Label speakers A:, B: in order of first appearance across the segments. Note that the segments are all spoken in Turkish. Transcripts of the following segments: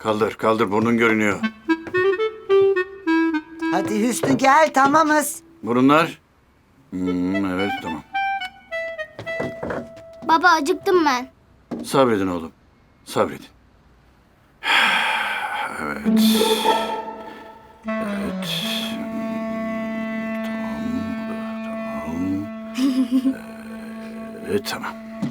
A: Kaldır, kaldır. Burnun görünüyor.
B: Hadi Hüsnü gel, tamamız.
A: Burunlar. Evet, tamam.
C: Baba acıktım ben.
A: Sabredin oğlum. Sabredin. Evet. Evet. Tamam. Evet, tamam.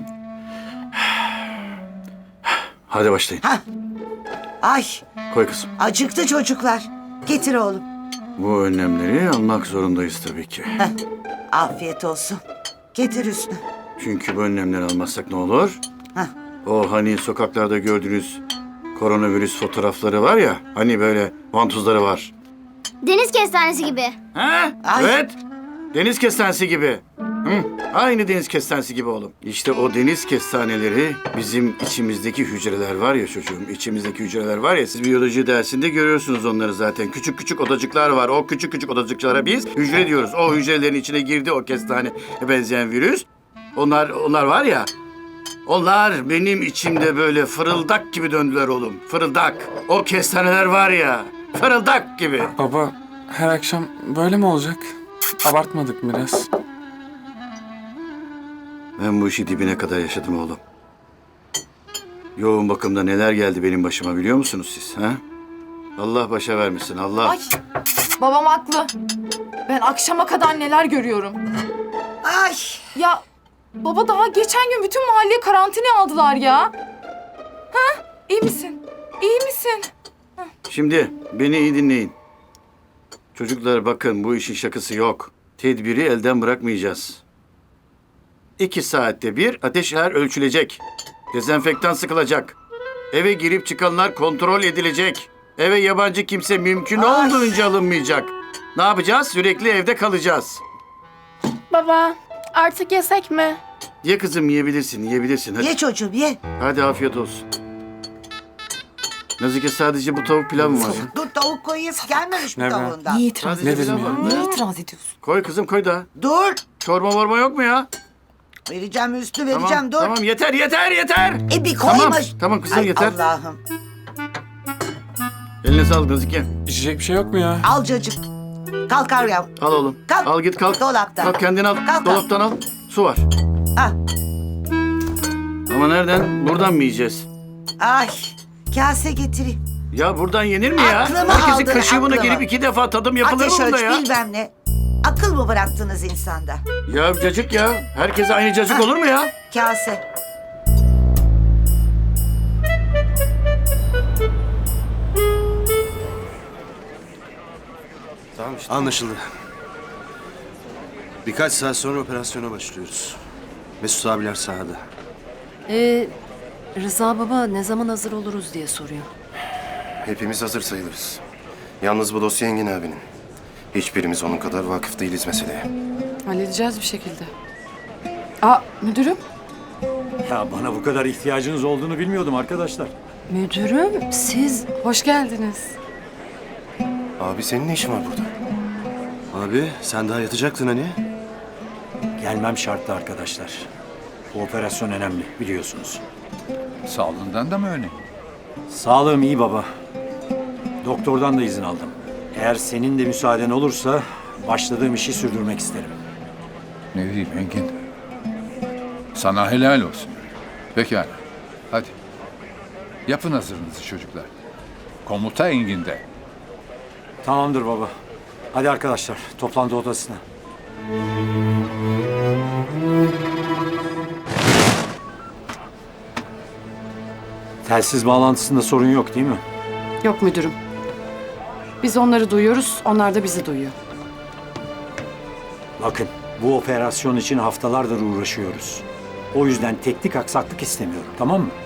A: Hadi başlayın.
B: Hah. Ay,
A: Koy kızım.
B: acıktı çocuklar. Getir oğlum.
A: Bu önlemleri almak zorundayız tabii ki.
B: Heh, afiyet olsun. Getir Hüsnü.
A: Çünkü bu önlemleri almazsak ne olur?
B: Hah.
A: O hani sokaklarda gördüğünüz koronavirüs fotoğrafları var ya, hani böyle vantuzları var.
C: Deniz kestanesi gibi.
A: Ha?
B: Ay.
A: Evet. Deniz kestanesi gibi. Hı, aynı deniz kestanesi gibi oğlum. İşte o deniz kestaneleri bizim içimizdeki hücreler var ya çocuğum. İçimizdeki hücreler var ya, siz biyoloji dersinde görüyorsunuz onları zaten. Küçük küçük odacıklar var. O küçük küçük odacıklara biz hücre diyoruz. O hücrelerin içine girdi o kestane benzeyen virüs. Onlar var ya. Onlar benim içimde böyle fırıldak gibi döndüler oğlum. Fırıldak. O kestaneler var ya. Fırıldak gibi.
D: Baba, her akşam böyle mi olacak? Abartmadık mı biraz?
A: Ben bu işi dibine kadar yaşadım oğlum. Yoğun bakımda neler geldi benim başıma biliyor musunuz siz? Ha? Allah başa vermesin, Allah.
E: Ay, babam haklı. Ben akşama kadar neler görüyorum.
B: Ay,
E: Ya baba daha geçen gün bütün mahalleyi karantinaya aldılar ya. Ha? İyi misin? İyi misin?
A: Şimdi beni iyi dinleyin. Çocuklar bakın bu işin şakası yok. Tedbiri elden bırakmayacağız. 2 saatte bir ateşler ölçülecek. Dezenfektan sıkılacak. Eve girip çıkanlar kontrol edilecek. Eve yabancı kimse mümkün
B: Ay.
A: olduğunca alınmayacak. Ne yapacağız? Sürekli evde kalacağız.
F: Baba, artık yesek mi?
A: Ye kızım, yiyebilirsin. Hadi.
B: ye çocuğum ye.
A: Hadi afiyet olsun. Nazike sadece bu tavuk pilav mı var ya?
B: Dur tavuk koyayım. Gelmemiş mi
D: Ne be?
B: tavuğundan?
E: Niye itiraz
A: Sadece
E: ediyorsun?
A: pilav var mı?
E: Niye itiraz ediyorsun?
A: Koy kızım koy da.
B: Dur.
A: Çorba morma yok mu ya?
B: Vereceğim Hüsnü,
A: Tamam,
B: vereceğim. Dur.
A: tamam yeter.
B: Bir koyma.
A: Tamam, tamam kızım
B: Ay,
A: yeter.
B: Allah'ım.
A: Eline sağlık Nazike.
D: İçecek bir şey yok mu ya?
B: Al cacık. Kalk yavrum.
A: Al oğlum.
B: Kalk.
A: Al git kalk.
B: Dolaptan.
A: Kalk kendin al.
B: Kalk.
A: Dolaptan al. Su var.
B: Ah.
A: Ama nereden? Buradan mı yiyeceğiz?
B: Ay, kase getireyim.
A: Ya buradan yenir mi ya?
B: Aklımı
A: Herkesin
B: aldın,
A: kaşığına
B: aklımı.
A: gelip 2 defa tadım yapılır
B: Ateş
A: mı bunda
B: ölç
A: ya?
B: bilmem ne. Akıl mı bıraktınız insanda?
A: Ya cacık ya. Herkese aynı cacık olur mu ya?
B: Kase.
G: Tamam işte. Anlaşıldı. Birkaç saat sonra operasyona başlıyoruz. Mesut abiler sahada.
H: Rıza baba ne zaman hazır oluruz diye soruyor.
G: Hepimiz hazır sayılırız. Yalnız bu dosya Engin abinin. Hiçbirimiz onun kadar vakıf değiliz meseleye.
E: Halledeceğiz bir şekilde. Aa müdürüm.
I: Ya bana bu kadar ihtiyacınız olduğunu bilmiyordum arkadaşlar.
H: Müdürüm siz...
E: Hoş geldiniz.
G: Abi senin ne işin var burada? Abi sen daha yatacaktın hani?
I: Gelmem şartlı arkadaşlar. Bu operasyon önemli biliyorsunuz.
J: Sağlığından da mı önemli?
I: Sağlığım iyi baba. Doktordan da izin aldım. Eğer senin de müsaaden olursa başladığım işi sürdürmek isterim.
J: Ne diyeyim Engin? Sana helal olsun. Pekala. Hadi. Yapın hazırınızı çocuklar. Komuta Engin'de.
I: Tamamdır baba. Hadi arkadaşlar toplantı odasına. Telsiz bağlantısında sorun yok değil mi?
E: Yok müdürüm. Biz onları duyuyoruz, onlar da bizi duyuyor.
I: Bakın bu operasyon için haftalardır uğraşıyoruz. O yüzden teknik aksaklık istemiyorum, tamam mı?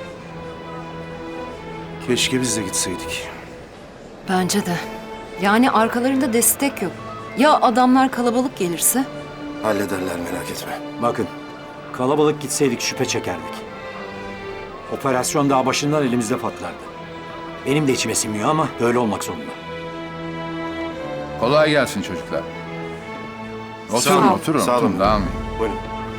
G: Keşke biz de gitseydik.
H: Bence de. Yani arkalarında destek yok. Ya adamlar kalabalık gelirse?
G: Hallederler merak etme.
I: Bakın, kalabalık gitseydik şüphe çekerdik. Operasyon daha başından elimizde patlardı. Benim de içime sinmiyor ama böyle olmak zorunda.
J: Kolay gelsin çocuklar.
G: Sağ olun.
J: Oturun,
G: Sağ olun.
J: oturun. Dağılmayın.
G: Buyurun.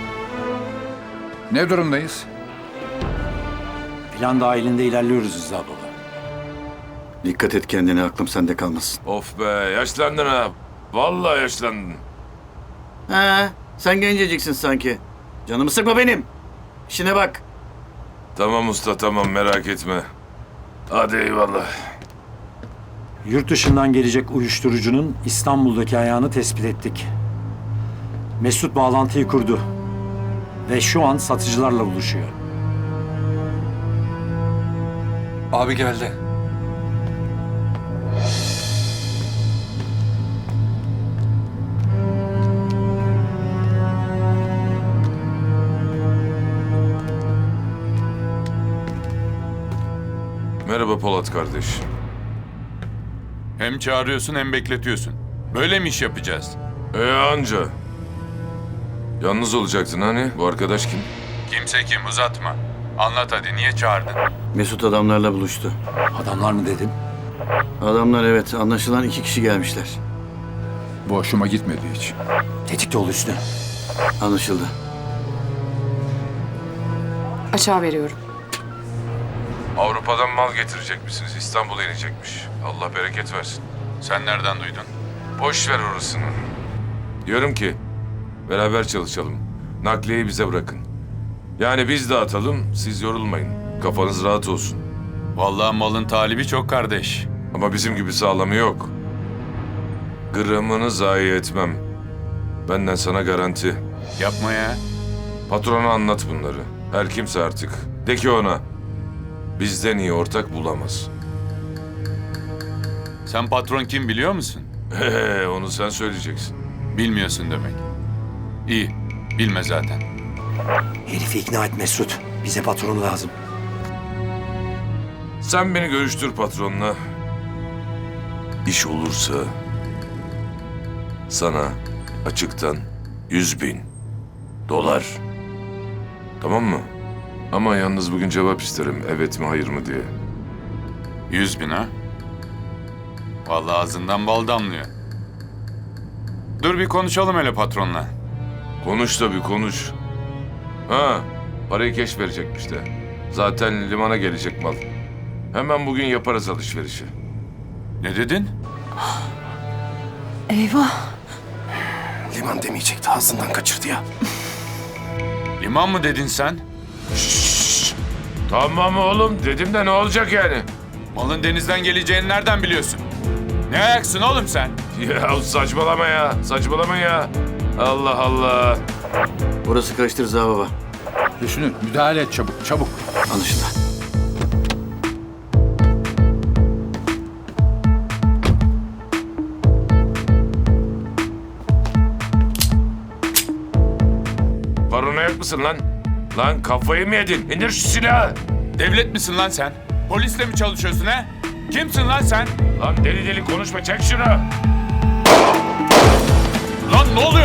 J: Ne durumdayız?
I: Plan dahilinde ilerliyoruz Rıza baba.
A: Dikkat et kendine, aklım sende kalmasın.
K: Of be, yaşlandın ha. Vallahi yaşlandın.
A: He, sen genceciksin sanki. Canımı sıkma benim. İşine bak.
K: Tamam usta, tamam, merak etme. Hadi eyvallah.
I: Yurt dışından gelecek uyuşturucunun İstanbul'daki ayağını tespit ettik. Mesut bağlantıyı kurdu. Ve şu an satıcılarla buluşuyor.
D: Abi geldi.
K: Merhaba Polat kardeş.
J: Hem çağırıyorsun hem bekletiyorsun. Böyle mi iş yapacağız?
K: Anca. Yalnız olacaktın hani? Bu arkadaş kim?
J: Kimse kim, uzatma. Anlat hadi, niye çağırdın?
A: Mesut adamlarla buluştu.
I: Adamlar mı dedin?
A: Adamlar, evet, anlaşılan 2 kişi gelmişler.
J: Bu hoşuma gitmedi hiç.
I: Tetikte ol Hüsnü.
A: Anlaşıldı.
E: Aşağı veriyorum.
K: Avrupa'dan mal getirecek misiniz? İstanbul'a inecekmiş. Allah bereket versin.
J: Sen nereden duydun?
K: Boş ver orasını. Diyorum ki beraber çalışalım. Nakliyeyi bize bırakın. Yani biz dağıtalım, siz yorulmayın. Kafanız rahat olsun.
J: Vallahi malın talibi çok kardeş.
K: Ama bizim gibi sağlamı yok. Gramını zayi etmem. Benden sana garanti.
J: Yapma ya.
K: Patrona anlat bunları. Her kimse artık. De ki ona. Bizden iyi ortak bulamaz.
J: Sen patron kim biliyor musun?
K: Onu sen söyleyeceksin.
J: Bilmiyorsun demek. İyi, bilme zaten.
I: Herifi ikna et Mesut. Bize patron lazım.
K: Sen beni görüştür patronla. İş olursa sana açıktan 100.000 dolar. Tamam mı? Ama yalnız bugün cevap isterim. Evet mi hayır mı diye.
J: 100.000 ha? Vallahi ağzından bal damlıyor. Dur bir konuşalım hele patronla.
K: Konuş tabii konuş. Ha, parayı keş verecekmiş de. Zaten limana gelecek mal. Hemen bugün yaparız alışverişi.
J: Ne dedin?
H: Eyvah.
G: Liman demeyecekti, ağzından kaçırdı ya.
J: Liman mı dedin sen?
K: Tamam oğlum dedim de ne olacak yani?
J: Malın denizden geleceğini nereden biliyorsun? Ne ayaksın oğlum sen?
K: Ya saçmalama ya, saçmalama ya. Allah Allah.
A: Orası karıştır Rıza baba.
J: Hüsnü müdahale et çabuk, çabuk.
A: Anlaşıldı.
K: Paranoyak mısın lan? Lan kafayı mı yedin? İndir şu silahı.
J: Devlet misin lan sen? Polisle mi çalışıyorsun he? Kimsin lan sen?
K: Lan deli deli konuşma, çek şunu.
J: Lan ne oluyor?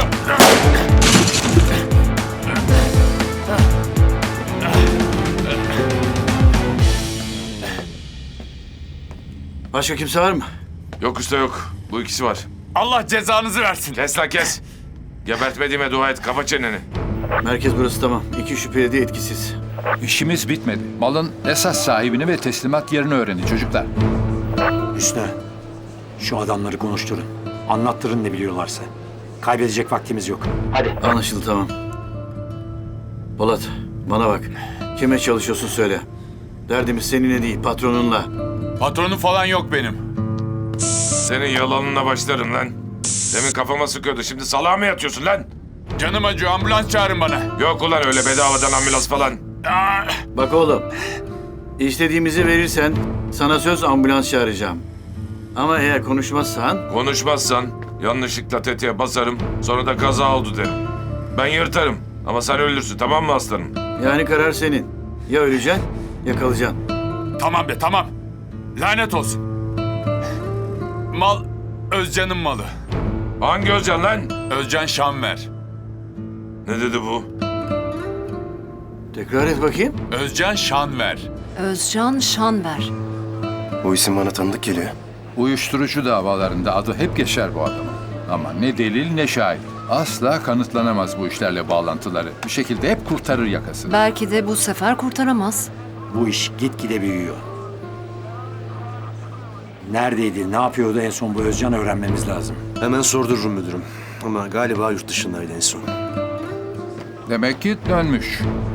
A: Başka kimse var mı?
K: Yok usta yok. Bu ikisi var.
J: Allah cezanızı versin.
K: Kes lan kes. Gebertmediğime dua et. Kapa çeneni.
A: Merkez burası, tamam. 2 şüpheli de etkisiz.
J: İşimiz bitmedi. Malın esas sahibini ve teslimat yerini öğrenin çocuklar.
I: Hüsnü. Şu adamları konuşturun. Anlattırın ne biliyorlarsa. Kaybedecek vaktimiz yok.
A: Anlaşıldı, tamam. Polat, bana bak. Kime çalışıyorsun söyle. Derdimiz seninle değil, patronunla.
J: Patronum falan yok benim.
K: Senin yalanına başlarım lan. Demin kafama sıkıyordu. Şimdi salağa mı yatıyorsun lan?
J: Canım acıyor, ambulans çağırın bana.
K: Yok ulan öyle bedavadan ambulans falan.
A: Bak oğlum, istediğimizi verirsen sana söz ambulans çağıracağım. Ama eğer konuşmazsan
K: Konuşmazsan yanlışlıkla tetiğe basarım. Sonra da kaza oldu derim. Ben yırtarım. Ama sen ölürsün, tamam mı aslanım?
A: yani karar senin. Ya öleceksin ya kalacaksın.
J: Tamam be tamam. Lanet olsun. Mal Özcan'ın malı.
K: Hangi Özcan lan?
J: Özcan Şanver.
K: Ne dedi bu?
A: Tekrar et bakayım.
J: Özcan Şanver.
H: Özcan Şanver.
G: Bu isim bana tanıdık geliyor.
J: Uyuşturucu davalarında adı hep geçer bu adamın. Ama ne delil ne şahit. Asla kanıtlanamaz bu işlerle bağlantıları. Bir şekilde hep kurtarır yakasını.
H: Belki de bu sefer kurtaramaz.
I: Bu iş gitgide büyüyor. Neredeydi, ne yapıyordu en son bu Özcan öğrenmemiz lazım.
L: Hemen sordururum müdürüm. Ama galiba yurt dışındaydı en son.
J: Demek ki dönmüş.